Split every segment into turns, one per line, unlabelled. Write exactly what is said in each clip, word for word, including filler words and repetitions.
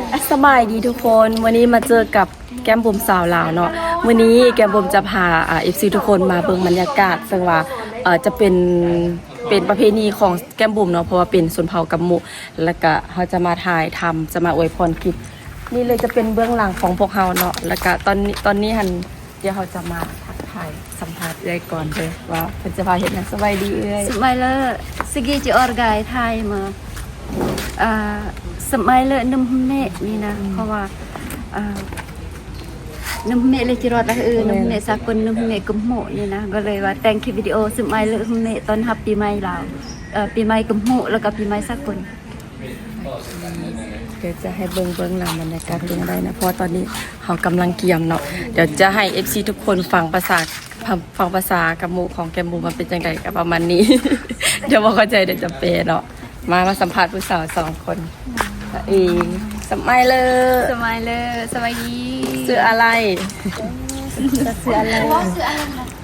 สบายดีทุกคนวันนี้มาเจอกับแก้มบุ๋มสาวลาวเนาะวันนี้แก้มบุ๋มจะพาอ่าเอฟซีทุกคนมาเบิ่งบรรยากาศซึ่งว่าเอ่อจะเป็นเป็นประเพณีของแก้มบุ๋มเนาะเพราะว่าเป็นชนเผ่ากำมุแล้วก็เขาจะมาถ่ายทำจะมาอวยพรคลิปนี่เลยจะเป็นเบื้องหลังของพวกเราเนาะแล้วก็ตอนนี้ตอนนี้หันเดี๋ยวเขาจะมาทักทายสัมภาษณ์เลยก่อนเลยว่าเพิ่นจะพาเห็นหยังสบายดีเอ้ย
Smiler segi je orgai Thai มาอ่า Smiler นมเมะนี่นะเพราะว่าอ่านมเมะเลยจิรอดละเออนมเมะสากลนมเมะกุมโหนี่นะก็เลยว่าแต่งคลิปวิดีโอ Smiler นมเมะตอนรับปีใหม่ลาวเอ่อปีใหม่กุมโหแล้วก็ปีใหม่สากล
เดี๋ยวจะให้เบิ้งเบิ้งหลังบรรยากาศเป็นยังไงนะเพราะว่าตอนนี้เขากำลังเกี่ยมเนาะเดี๋ยวจะให้ เอฟ ซี ทุกคนฟังภาษาฟังภาษากำมูของแกมบูมันเป็นยังไงกับประมาณนี้ เดี๋ยวบอกเข้าใจเดี๋ยวจะเปย์เนาะมามาสัมภาษณ์ผู้สาวสองคนตัวเองสมัยเลย
Smiler สวัสดี
ชื่ออะไร
ชื่ออะไรชื่ออะไร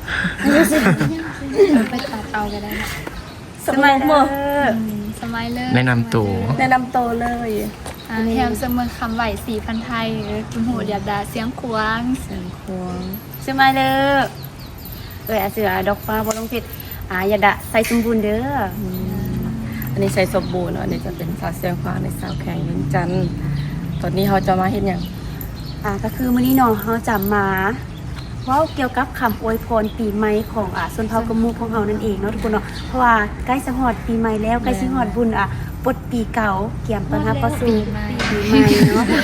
ไปตัดเอาก็ได้
สมัยเมื่อ
Smiler
แนะนำตัว
แนะนำตัวเลย
อ่าแฮมเสมอคำไหวสี่พันไทยคุณหูเดียบดาเสียงควง
เสียงควง
สมัยเลยเอ้ยอาเสือดอกฟ้าบอลงเพชรอ่าอย่าดะใส่สมบูรณ์เด้อ
อันนี้ใส่สมบูรณ์เนาะอันนี้จะเป็นสาวเสียงควงในสาวแข่งยิงจันทร์ตอนนี้เขาจะมาเห็นอย่าง
อ่าก็คือมื้อนี้เนาะเฮาจะมาเว้าเกี่ยวกับคำอวยพรปีใหม่ของอ่าชนเผ่ากะหมู่ของเฮานั่นเองเนาะทุกคนเนาะเพราะว่าใกล้สิฮอดปีใหม่แล้วใกล้สิฮอดบุญอ่ะปลดปีเก่าเกี่ยมต้อนรับเข้าสู่ปีใหม่เนาะ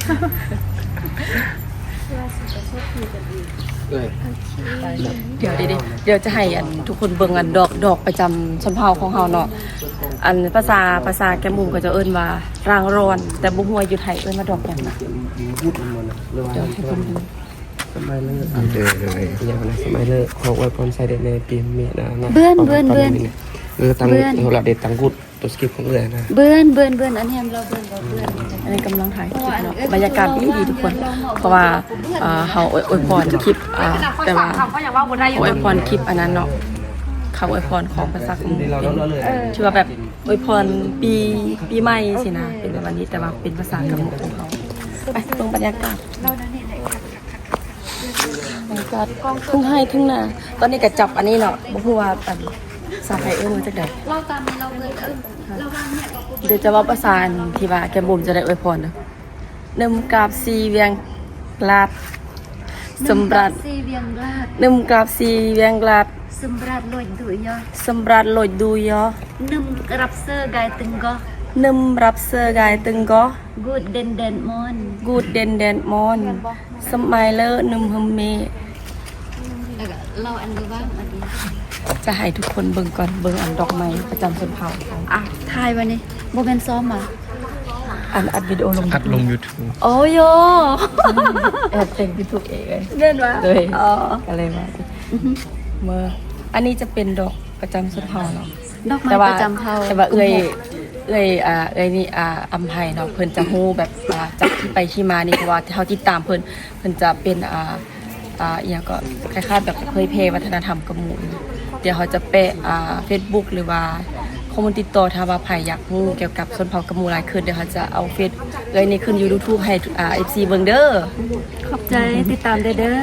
เดี๋ยวเดี๋ยวเดี๋ยวจะให้อันทุกคนเบิ่งอันดอกดอกประจำชนเผ่าของเฮาเนาะอันภาษาภาษาแกมุมก็จะเอิ้นว่ารางร้อน แต่บ่ฮู้ว่าอยู่ไทยเอิ้นว่าดอกหยังนะเดี๋ยวให้เพิ่นดู
สมัยเลิก
เดินเลย
อย่างนั้นสมัยเลิกขอไว้พรใส่เด็ดในปีเมียนะนะ
เบื้อนเบื้อนเบื้อน
เออตังโหระเด็ดตังกุดตัวสกิปของเรือนะ
เบิ่นเบิ่นเบิ่นอันแฮมเราเบิ่นเราเบิ่น
อันนี้กำลังถ่ายคลิปเนาะบรรยากาศดีดีทุกคน เพราะว่าเอ่อเฮาอวยอวยพรคลิปอ่าแต่ว่าอวยพรคลิปอันนั้นเนาะคำอวยพรของภาษาของเป็นชื่อว่าแบบอวยพรปีปีใหม่สินะเป็นแบบวันนี้แต่ว่าเป็นภาษากำมุของเขาไปตรงบรรยากาศ
เรานั่นนี่แหละ
บรรยากาศทุ่งไห้ทุ่งนาตอนนี้ก็จับอันนี้เนาะบ่ฮู้ว่าอันสาไทยเอิ้นมาจากใด
เราตามเราเบิ่นเอิ้นเราวางเนี่ยก็
เดี๋ยวจะว่าประสานที่ว่าแกมบุมจะได้อวยพรเนาะนึ่มกราบซีเวียงลาดสำรัด
ซีเวียงราด
นึ่มกราบซีเวียงลาด
สำรัดลอยดุยอ
สำรัดโลดดูยอ
นึ่มรับเซอร์ไกตึงก็
นึ่มรับเสื้อกายตึงก็
กูดเดนเดนมอน
กูดเดนเดนมอนสมัยเลอนึ่มฮึมเม
แล้วก็เราอันนี้ว่าอันนี้
จะให้ทุกคนเบิ่งก่อนเบิ่งอันดอกไม้ประจำชนเผ่าเขา
อ่ะทายวันนี้โบเป็นซ้อมอ่ะ
อันอัดวิดีโอลง
อัดลง YouTube
โอ้โย
แอบแต่งเป็นตัวเองเลย
เล่นวะ
เลย
อ๋อ
ก็เลยว่าเมื่ออันนี้จะเป็นดอกประจำชนเผ่าเนาะ
ดอกไม้
แต่
ป
ว่า
ระจำเผ่า
แต่ว่าเอ้ยเอ้ยอ่าเอ้ยนี่อ่าอำไพเนาะเพิ่นจะฮู้แบบอ่าจากที่ไปที่มานี่เพราะว่าเฮาติดตามเพิ่นเพิ่นจะเป็นอ่าอ่าอีหยังก็คล้ายๆแบบเผยแพร่วัฒนธรรมกะหมู่เดี๋ยวเขาจะแปะอ่า Facebook หรือว่าข้อมูลติดต่อถ้าว่าใครอยากรู้เกี่ยวกับชนเผ่ากะหมู่หลายขึ้นเดี๋ยวเขาจะเอาเฟซเอ้ยนี่ขึ้น YouTube ให้อ่า เอฟ ซี เบิ่งเด้อ
ขอบใจติดตามเด้อเด้อ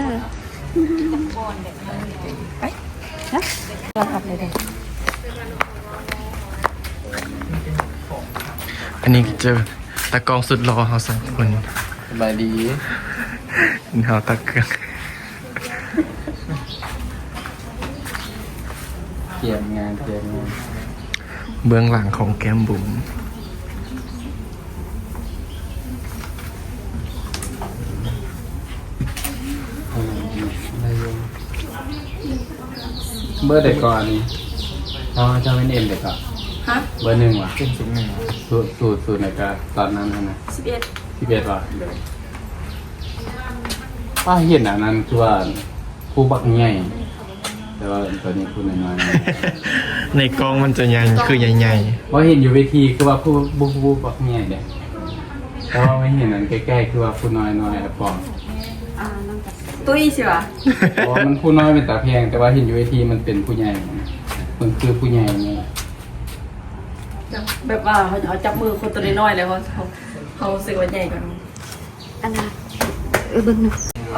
ไปนะรับรับเลยเด้อ
อันนี้เจอตากล้องสุดรอเขาสองคน
สบายดี
เขาตะเกียง
เกี่ยมงานเกี่ยมงาน
เบื้องหลังของแก้มบุ๋ม
เบอร์เด็กก่อนเขาจะเป็นเอ็มเด็กก่อน
ฮะ
เบอร์หนึ่งว่ะ
เป็นสิ่งหนึ่ง
สูตรสูตรสูตรไหนกันตอนนั้นนะ
สิบเอ็ด
ที่เบ็ดว่ะป้าเห็นอันนั้นคือว่าผู้บักใหญ่แต่ว่าตอนนี้ผู้น้อย
ในกล้องมันจะใหญ่คือใหญ่
ๆว่าเห็นอยู่เวทีคือว่าผู้ผู้ผู้บักใหญ่เด็กแต่ว่าไม่เห็นอันใกล้ๆคือว่าผู้น้อยน้อยอะปอง
ตุ้ยสิวะ
เพราะว่ามันผู้น้อยเป็นตาเพียง แต่ว่าเห็นอยู่เวทีมันเป็นผู้ใหญ่มันคือผู้ใหญ่เนี่ย
แบบว่าเขาเขาจับมือคนตัวน้อยๆเลยเขาเขาเขาสึกว่าใหญ่กว่าน้อง
อันนั้นเออเบึงหนึ่ง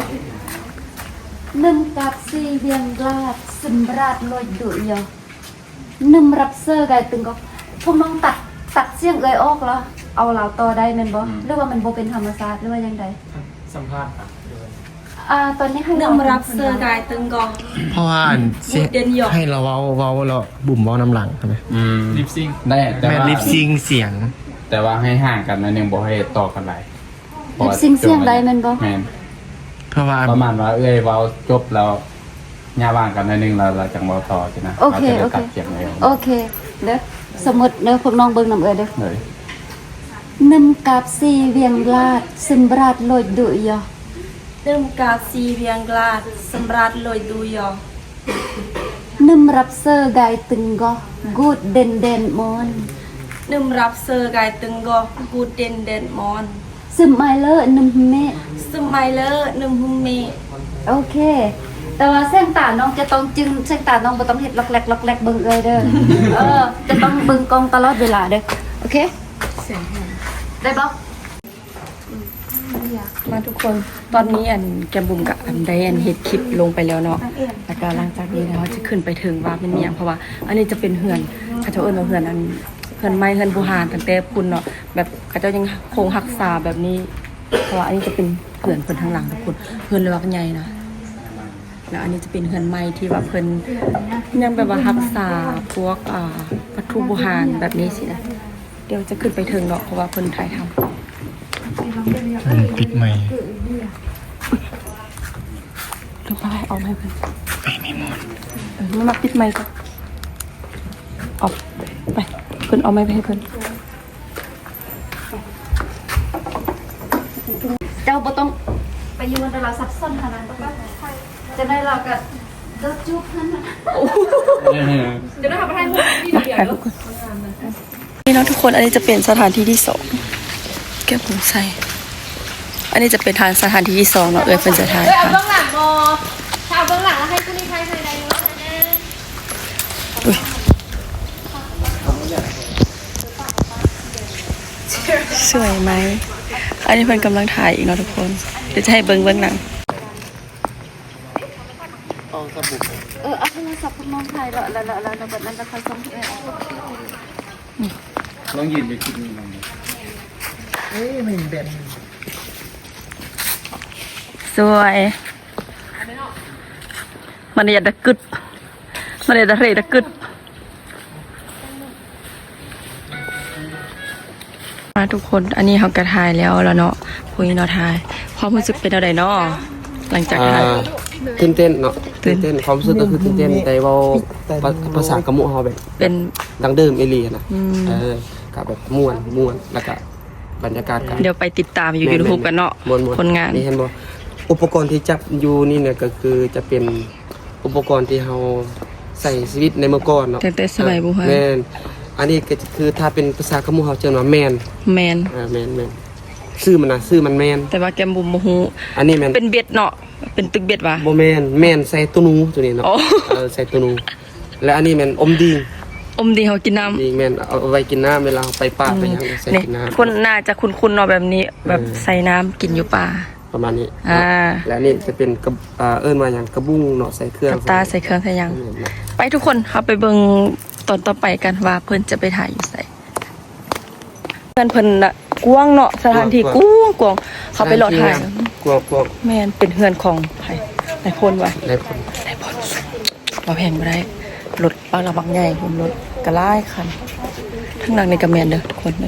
นึ่งกับสี่เวียงลาดสิมราดลอยดุยยอนึ่งรับเซอร์ไกตึงก็พวกน้องตัดตัดเสียงเอ่ยออกแล้วเอาเหล่าต่อได้แมันบ่หรือว่ามันบ่เป็นธรรมชาติหรือว่ายังไง
สัมภาษณ์ครับ
อ่าตอนนี้ให้
นึ่
เรา
งรับเซอร์กายตึงกอง
เพราะว่าอันเสีย
เด่นหยก
ให้เราเว้าเว้าเราบุ่มเว้าน้ำหลังใช่ไหม
อืมลิปซิงได้แต่
แม่
ว่า
ลิปซิงเสียง
แต่ว่าให้ห่างกันหนะนึงบ่ให้ต่อกันหลาย
ลิปซิงเสียงได้แมันบ่
แม่น
เพราะว่า
ประมาณว่าเอ้ยเว้าจบแล้วย่าว่างกันหนะนึงเราเราจังเว้าต่อใช่นะ
โอเค
เรา
โอ
จะ
เค
ได้ตัดเสียงเลย
โอเคเด้อสมมติเด้อพวกน้องเบิ่งน้ำเอ่ยเด้อ
เลย
นึ่งกับสี่เวียงลาดสิมราดลอยดุยยอ
นึ่งกาซีเวียงกลาดสำรัดลอยดูยอ
นึ่งรับเซอร์ไกตึงก็กูดเด่นเด่นมอน
นึ่งรับเซอร์กายตึงกอกูเด่นเด่นมอน
ซึมไมเลอร์นึ่งเมะ
สมัยเลอนึ่งหุมเม
โอเค แต่ว่าเส้นตาน้องจะต้องจึงเส้นตาน้องบ่ต้องเฮ็ดล็อกแลกล็อกแลกเบิ่งเอ้ยเด้อ เออ จะต้องเบิ่งกล้องตลอดเวลาเด้อ โอเค
เสียงแหบ
ได้บ่
มาทุกคนตอนนี้อันแกมบุ๋มกับอันไดอันเฮ็ดคลิปลงไปแล้วเนาะแล้วก็หลังจากนี้แล้วจะขึ้นไปถึงว่าเป็นเมียงเพราะว่า อันนี้จะเป็นเฮือนเขาเจ้าเอิ้นว่าเฮือนอันเฮือนไม้เฮือนบูหานตั้งแต่พุ่นเนาะแบบเขาเจ้ายังคงรักษาแบบนี้เพราะว่าอันนี้จะเป็นเฮือนเพิ่นทางหลังทุกคนเฮือนเลยว่าใหญ่นะแล้วอันนี้จะเป็นเฮือนไม้ที่ว่าเพิ่นยังแบบว่ารักษาพวกอ่าวัตถุโบราณแบบนี้สินะเดี๋ยวจะขึ้นไปถึงเนาะเพราะว่าเพิ่นถ่ายทำ
บุ่มปิดใหม่
เดี๋ยวไปเอาไม้เพิ่น
ไปไม่หมด
เออมันมาปิดไม้ก่อนเอาไปเพิ่นเอาไม้ไปให้เพิ่น
เจ้าบ่ต้องไปอยู่ในเราซับซ้อนขนาดนั้นบ่จะได้เราก็เลิกจุ๊บนั่นน่ะ
มาถ่ายรูปก่อนนี่เนาะทุกคนอันนี้จะเป็นสถานที่ที่สองแก้วผมใส่อันนี้จะเป็นทางสถานที่ที่สองเนาะเออเป็นจะถ่าย
เอ้ยเอา
ค่ะ
เบื้องหลังบอถ้าเอาเบื้องหลังแล้วให้ผู้นี้ใครใครใดเนาะ
อุ๊ยสวยไหมอันนี้เพิ่นกำลังถ่ายอีกเนาะทุกคนเดี๋ยวจะให้เบิ้งเบื้องหลัง
เออเอาโทรศัพท์พวกน้องถ่ายแล้วแล้วแล้วแล้วบัดนั้นจะค่อยส่งให้เอ้ย
ลองยืนอยู่คิดนี่ลองดู
สวยมันอยากจะกึดมันอยากจะเรดกึดมาทุกคนอันนี้เขากระทายแล้วแล้วเนาะพวกนี้เนาะทายความรู้สึกเป็นอะไรเนาะหลังจาก
อ่า
ทาย
ตื่นเต้นเนาะ
ตื่
ตื่
น
นเต้นความรู้สึกก็คือตื่นเต้นแต่เว่าภาภาษากระมุเฮาแบบ
เป็น
ดังเดิมเอเลียนะ
อืม
เออกับแบบม่วนม่วนแล้วก็บรรยากาศกัน
เดี๋ยวไปติดตามอยู่ยูทูบกันเนาะ
ม่วนม่วน
คนงาน
นี่เห็นบ่อุปกรณ์ที่จับอยู่นี่เนี่ยก็คือจะเป็นอุปกรณ์ที่เฮาใส่ชีวิตในเมื่อก่อนเนาะ
แต่แต่สมัยโบราณ
แม่นอันนี้ก็คือถ้าเป็นภาษากระมุเฮาเจอว่าแมน
แมน
อ่าแมนแมนชื่อมันนะชื่อมันแมน
แต่ว่าแกมบุมโมฮู
อันนี้แมน
เป็นเบ็ดเนาะเป็นตึกเบ็ดวะ
โบแมนแมนใส่ตัวหนูตัวนี้เนาะ
โอ้
เออใส่ตัวหนูและอันนี้แมนอมดี
อมดีเขากินน้ำ
ดีแมนเอาเอาไว้กินน้ำเวลาเราไปป่าไปหยังใส่
นี่
กินน้ำ
คนน่าจะคุ้นๆเนาะแบบนี้ แบบ
เออ
ใส่น้ำกินอยู่ป่า
ประมาณนี้
อ่า
และอันนี่จะเป็นกระอ่าเอิ้นว่าอย่างกระบุ้งเนาะใส่เครื่อง
กับตาใส่เครื่องใส่หยัง
แม่นนะ
ไปทุกคนเอาไปเบิ่งตอนต่อไปกันว่าเพิ่นจะไปถ่ายอยู่ไสเพิ่นเพิ่นน่ะกว้างเนาะสถานที่กว้างกว้างเขาไปรอถ่าย
กลัวกลัว
แม่นเป็นเฮือนของไผนายพลว่ะ
ได้ผล
นายพลบ่แพงบ่ได้รถบางละบางใหญ่ผมรถกระลายคันทั้งหลังในกระแมนเด้อทุกคนเลย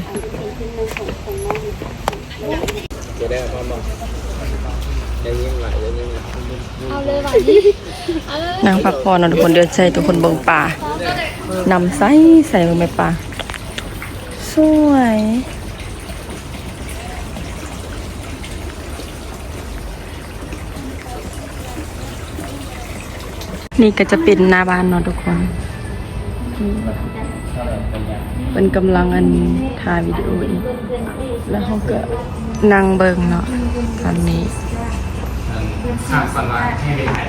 จะได้พร้อมบ่ได้ยินหลายได้ยินหลาย
เอาเลยว่ะนี่เอาเลย
นางพักผ่อนเนาะทุกคนเดินใส่ทุกคนเบิ่งป่านำใส่ใส่เบิ่งแม่ป่าสวยนี่ก็จะเป็นหน้าบ้านเนาะทุกคนเป็นกำลังอันถ่ายวิดีโออีกแล้วเขาก็นั่งเบิ่งเนาะตอนนี้
อ่าสำหรับให้ไปถ่าย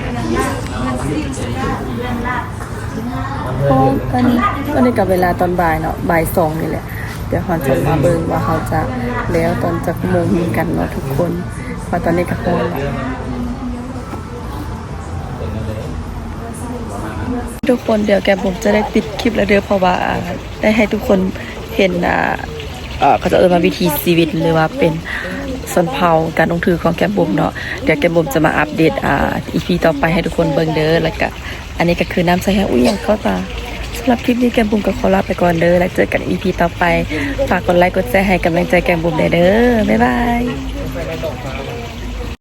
เพราะตอนนี้ตอนนี้กับเวลาตอนบ่ายเนาะบ่ายสองนี่แหละ แต่ดี๋ยวเราจะมาเบิ่งว่าเขาจะแล้วตอนจักโมงกันเนาะทุกคนเพราะตอนนี้ก็ฮ้อนแล้วทุกคนเดี๋ยวแกผมจะได้ปิดคลิปแล้วเด้อเพราะว่าได้ให้ทุกคนเห็นอ่าเอ่อเขาจะเอ่ยมาวิธีชีวิตหรือว่าเป็นส่วนเผาการลงถือของแกมบุ๋มเนาะเดี๋ยวแกมบุ๋มจะมาอัปเดตอ่า อี พี ต่อไปให้ทุกคนเบิ่งเด้อแล้วก็อันนี้ก็คือน้ำใส่ให้อุ้ยยังเข้าตาสำหรับคลิปนี้แกมบุ๋มก็ขอลาไปก่อนเด้อแล้วเจอกัน อี พี ต่อไปฝากกดไลค์กดแชร์ให้กำลังใจแกมบุ๋มได้เด้อบ๊ายบาย